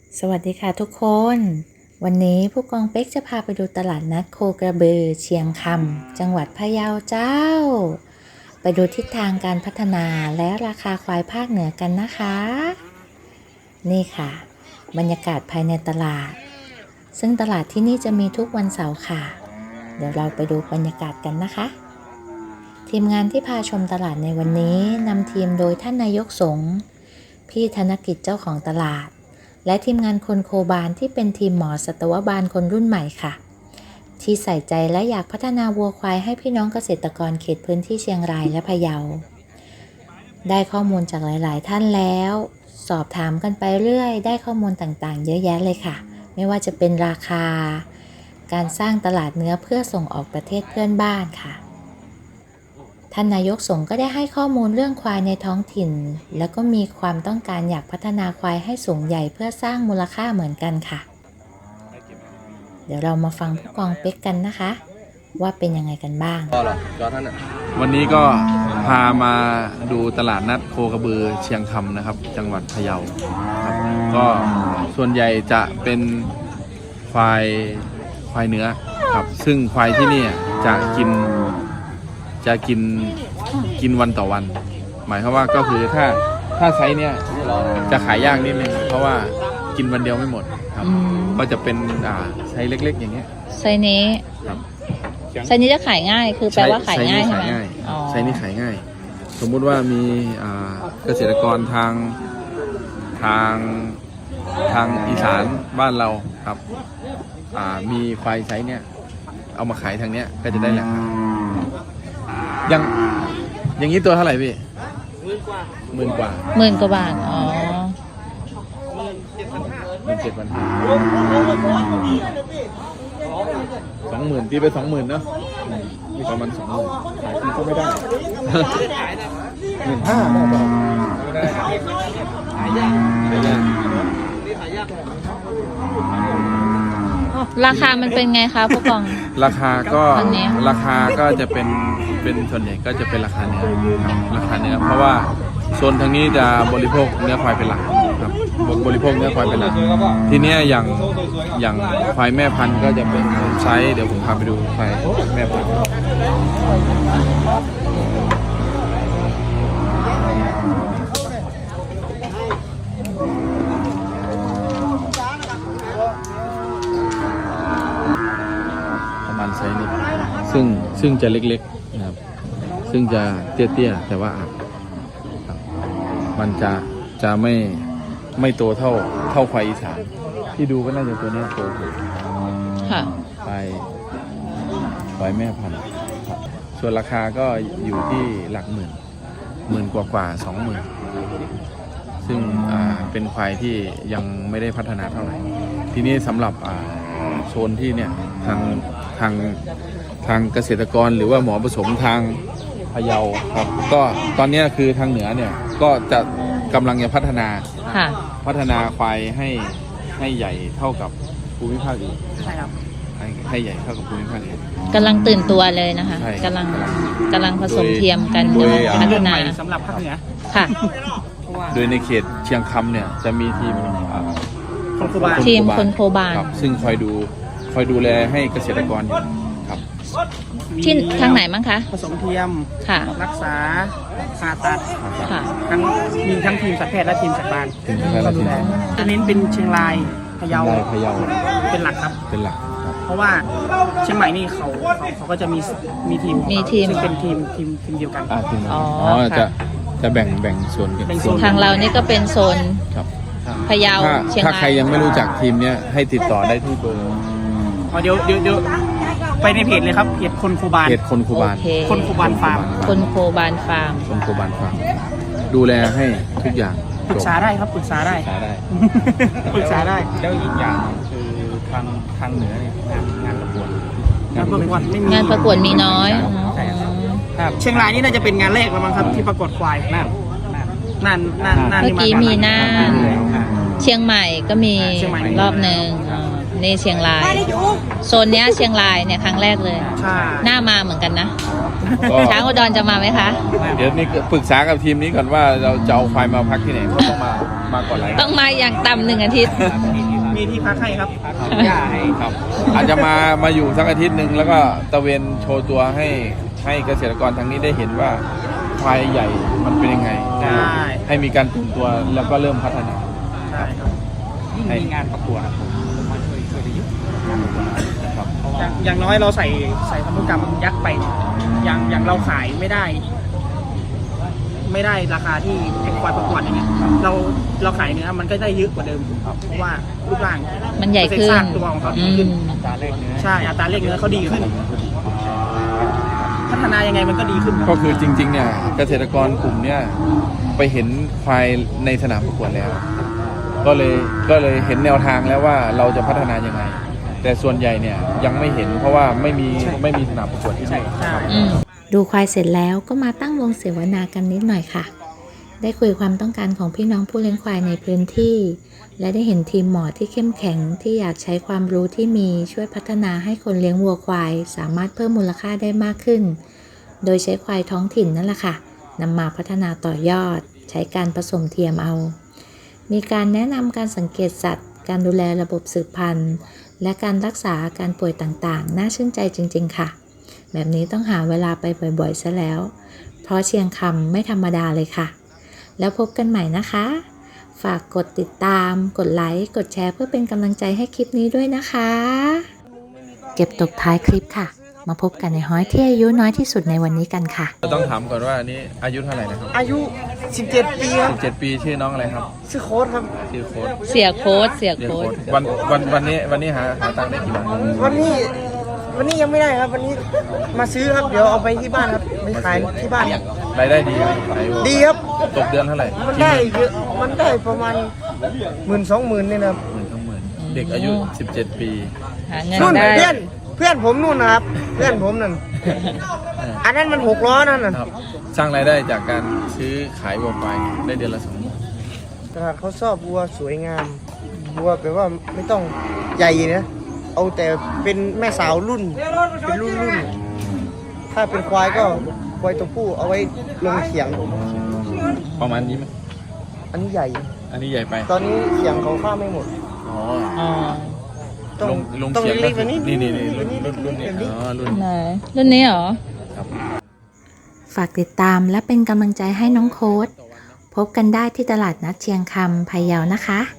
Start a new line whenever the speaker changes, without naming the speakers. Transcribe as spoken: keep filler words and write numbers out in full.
สวัสดีค่ะทุกคนวันนี้ผู้กองเป๊กจะพาไปดูตลาดนัดโคกระบือเชียงคำจังหวัดพะเยาเจ้าไปดูทิศทางการพัฒนาและราคาควายภาคเหนือกันนะคะนี่ค่ะบรรยากาศภายในตลาดซึ่งตลาดที่นี่จะมีทุกวันเสาร์ค่ะเดี๋ยวเราไปดูบรรยากาศกันนะคะทีมงานที่พาชมตลาดในวันนี้นำทีมโดยท่านนายกสงฆ์พี่ธนกิจเจ้าของตลาดและทีมงานคนโคบาลที่เป็นทีมหมอสัตวบาลคนรุ่นใหม่ค่ะที่ใส่ใจและอยากพัฒนาวัวควายให้พี่น้องเกษตรกรเขตพื้นที่เชียงรายและพะเยาได้ข้อมูลจากหลายๆท่านแล้วสอบถามกันไปเรื่อยได้ข้อมูลต่างๆเยอะแยะเลยค่ะไม่ว่าจะเป็นราคาการสร้างตลาดเนื้อเพื่อส่งออกประเทศเพื่อนบ้านค่ะท่านนายกสงฆ์ก็ได้ให้ข้อมูลเรื่องควายในท้องถิ่นแล้วก็มีความต้องการอยากพัฒนาควายให้สูงใหญ่เพื่อสร้างมูลค่าเหมือนกันค่ะเดี๋ยวเรามาฟังผู้กองเป๊กกันนะคะว่าเป็นยังไงกันบ้าง
วันนี้ก็พามาดูตลาดนัดโคกระบือเชียงคำนะครับจังหวัดพะเยาครับก็ส่วนใหญ่จะเป็นควายควายเนื้อครับซึ่งควายที่นี่จะกินจะกินกินวันต่อวันหมายความว่าก็คือถ้าถ้าไซส์เนี้ยจะขายยากนิดนึงเพราะว่ากินวันเดียวไม่หมดครับก็จะเป็นอ่าไซส์เล็กๆอย่างเงี้ย
ไซส์นี้
ครับ
ไซส์นี้จะขายง่ายคือแปลว่าขายง่ายใช่ไหม
ไซส์นี้ขายง่ายสมมุติว่ามีอ่าเกษตรกรทางทางทางอีสานบ้านเราครับอ่ามีควายไซส์เนี้ยเอามาขายทางเนี้ยก็จะได้ราคายังอย่างนี้ตัวเท่าไหร่พี่หมื่นกว่า
หมื่นกว่าบาทอ๋อ
หมื่นเจ็ดพันห้าสองหมื่นตีไปสองหมื่นเนาะนี่ประมาณสองหมื่นขายที่ก็ไม่ได้หมื่นห้าไม่ได้ไม่ได้ขายยากขายยาก
ราคามันเป็นไงคะผู้กอง
ราคาก็ราคาก็จะเป็นเป็นส่วนใหญ่ก็จะเป็นราคาเนื้อครับราคาเนื้อเพราะว่าโซนทางนี้จะบริโภคเนื้อควายเป็นหลักครับบริโภคเนื้อควายเป็นหลักทีนี้อย่างอย่างควายแม่พันธุ์ก็จะเป็นไซส์เดี๋ยวผมพาไปดูควายแม่พันธุ์ไซส์นี้ซึ่งซึ่งจะเล็กๆนะครับซึ่งจะเตี้ยๆแต่ว่ามันจะจะไม่ไม่โตเท่าเท่าควายอีสานที่ดูก็น่าจะตัวนี้โตสุด
ค่ะ
ควายควายแม่พันธุ์ส่วนราคาก็อยู่ที่หลักหมื่นหมื่นกว่ากว่าสองหมื่นซึ่งอ่าเป็นควายที่ยังไม่ได้พัฒนาเท่าไหร่ทีนี้สำหรับอ่าโซนที่เนี่ยทางทางทางเกษตรกรหรือว่าหมอผสมทางพะเยาครับก็ตอนนี้คือทางเหนือเนี่ยก็จะกำลังจะพัฒนาพัฒนาควายให้ให้ใหญ่เท่ากับภูมิภาคอื่นใช่ครับให้ให้ใหญ่เท่ากับภูมิภาคอื่น
กำลังตื่นตัวเลยนะคะกำลังกำลังผสมเทียมกันพัฒนา
สำหรับภาคเหนือ
ค่ะ
โดยในเขตเชียงคำเนี่ยจะมีทีม
คนโคบาล
ทีมคนโคบาล
ซึ่งคอยดูคอยดูแลให้เกษตรกรอยู่ครับ
ที่ทางไหนมั้งคะ
ผสมเทียม
ค่ะ
รักษาผ่าตัด
ค่ะ
ทั้งมีทั้งทีมสัตวแพทย์และทีมสัตวบาลก็ดูแลจะเน้นเป็นเชียงรายพะเยา
พะเยา
เป็นหลักครับ
เป็นหลัก
เพราะว่าเชียงใหม่นี่เขาเขาก็จะมีมีทีม
มีทีม
ซึ่งเป็นทีมทีมทีมเดียวกัน
อ๋อจะจะแบ่งแบ่งส่วนกัน
ทางเรานี่ก็เป็นโซนพะเยาเชียงราย
ถ้าใครยังไม่รู้จักทีมเนี้ยให้ติดต่อได้ที่เบอร์
อ๋อเดี๋ยวเดี๋ยวเดี๋ยวไปในเพจเลยครับเพจคนโคบาล
เพจคนโคบาล
คนโคบาลฟาร์ม
คนโคบาลฟาร์ม
คนโคบาลฟาร์มดูแลให้ทุกอย่าง
ปรึกษาได้ครับปรึกษาได้ปรึกษาได้
แล้วอีกอย่างคือทางทางเหนือเนี่ยงานงานประกวด
งานประกวดไม่มี
งานประกวดมีน้อย
ครับเชียงรายนี่น่าจะเป็นงานแรกแล้วมั้งครับที่ประกวดควายนั่นนั่นนั่นนั่น
เมื่อกี้มีน่านเชียงใหม่ก็มีรอบหนึ่งนี่เชียงรายโซนเนี้ยเชียงรายเนี่ยครั้งแรกเลยหน้ามาเหมือนกันนะช้างอุดรจะมาไหมคะ
เดี๋ยวนี้ปรึกษากับทีมนี้ก่อนว่าเราจะเอาควายมาพักที่ไหนเขาต้องมามาก่อนหลาย
ต้องมาอย่างต่ำหนึ่งอาทิตย์
มีที่พักให้ครับพักหญ้าให้
ครับ อาจจะมามาอยู่สักอาทิตย์หนึ่งแล้วก็ตะเวนโชว์ตัวให้ให้เกษตรกรทางนี้ได้เห็นว่าควายใหญ่มันเป็นยังไง
ใช่
ให้มีการตื่นตัวแล้วก็เริ่มพัฒนา
ใช่ครับยิ่งมีงานประกวดผมมาช่วยช่วยได้เยอะ
ครับ
อย่างอย่างน้อยเราใส่ใส่พันธุกรรมยักษ์ไปอย่างอย่างเราขายไม่ได้ ไม่ได้ราคาที่ไอ้ควายประกวดอย่างเงี้ยเราเราขายเนื้อมันก็ได้เยอะกว่าเดิมเพราะว่ารูปร่าง
มันใหญ่ขึ้น
เปอร์เซ็นต์ซากตัวของเขาดีขึ้น
อืม
อัตราเลขเนื้อใช่อัตราเลขเนื้อเขาดีขึ้น พัฒนายังไงมันก็ดีขึ้น
ก็คือจริงๆเนี่ยเกษตรกรกลุ่มเนี่ยไปเห็นควายในสนามประกวดแล้ว ก็เลยก็เลยเห็นแนวทางแล้วว่าเราจะพัฒนายังไง แต่ส่วนใหญ่เนี่ยยังไม่เห็นเพราะว่าไม่มีไม่มีสนามประกวดที่
ใช่
นี่
ใช่
อืมดูควายเสร็จแล้วก็มาตั้งวงเสวนากันนิดหน่อยค่ะ ได้คุยความต้องการของพี่น้องผู้เลี้ยงควายในพื้นที่ และได้เห็นทีมหมอที่เข้มแข็งที่อยากใช้ความรู้ที่มีช่วยพัฒนาให้คนเลี้ยงวัวควายสามารถเพิ่มมูลค่าได้มากขึ้น โดยใช้ควายท้องถิ่นนั่นแหละค่ะนำมาพัฒนาต่อยอด ใช้การผสมเทียมเอา มีการแนะนำการสังเกตสัตว์ การดูแลระบบสืบพันธุ์ และการรักษาอาการป่วยต่างๆ น่าชื่นใจจริงๆค่ะ แบบนี้ต้องหาเวลาไปบ่อยๆซะแล้ว เพราะเชียงคำไม่ธรรมดาเลยค่ะ แล้วพบกันใหม่นะคะ ฝากกดติดตาม กดไลค์ กดแชร์เพื่อเป็นกำลังใจให้คลิปนี้ด้วยนะคะ เก็บตกท้ายคลิปค่ะ มาพบกันในฮ้อยที่อายุน้อยที่สุดในวันนี้กันค่ะ
ต้องถามก่อนว่าอันนี้อายุเท่าไหร่นะครับ
อายุสิบเจ็ดปีครับ
สิบเจ็ดปีชื่อน้องอะไรครับ
ชื่อโค้ดครับ
ชื่อโค้ด
เสียโค้ดเสีย
เรียก
โค้
โค้
ด
ดวันวันวันนี้วันนี้หาหาตังค์ได้กี่บาท
วันนี้วันนี้ยังไม่ได้ครับ วันนี้มาซื้อครับเดี๋ยวเอาไปที่บ้านครับไปขายที่บ้าน
รายได้ดีไหมขายวัว
ดีครับ
ตกเดือนเท่าไหร่
มันได้เยอะมันได้ประมาณหมื่นสองหมื่นนี่นะครับ
หมื่นสองหมื่นเด็กอายุสิบเจ็ดปี
หาเงิน
นู่น
ได้
เพื่อนเพื่อนผมนู่นนะครับ เพื่อนผมนั่นอันนั้นมันหกล้อนั่นน่ะ
ครับสร้างรายได้จากการซื้อขายวัวควายได้เดือนละสองหมื่น
ตลาดเขาชอบวัวสวยงามวัวแปลว่าไม่ต้องใหญ่นะเอาแต่เป็นแม่สาวรุ่นเป็นรุ่นรุ่นถ้าเป็นควายก็ควายตัวผู้เอาไว้ลงเขียง
ประมาณนี้ไหม
อันนี้ใหญ่
อันนี้ใหญ่ไป
ตอนนี้เขียงเขาข้ามไม่หมด
อ๋อ
อ๋อ
ต้อง
ลงลง
ต้อง
เขียง
เล็กๆกว่านี้
นี่นี่นี่รุ่น
นี่
รุ่นรุ่นนี้
แบบนี้
อ๋อรุ่น
ไหนรุ่นนี้เหรอ
ครับ
ฝากติดตามและเป็นกำลังใจให้น้องโค้ด พบกันได้ที่ตลาดนัดเชียงคำพะเยานะคะ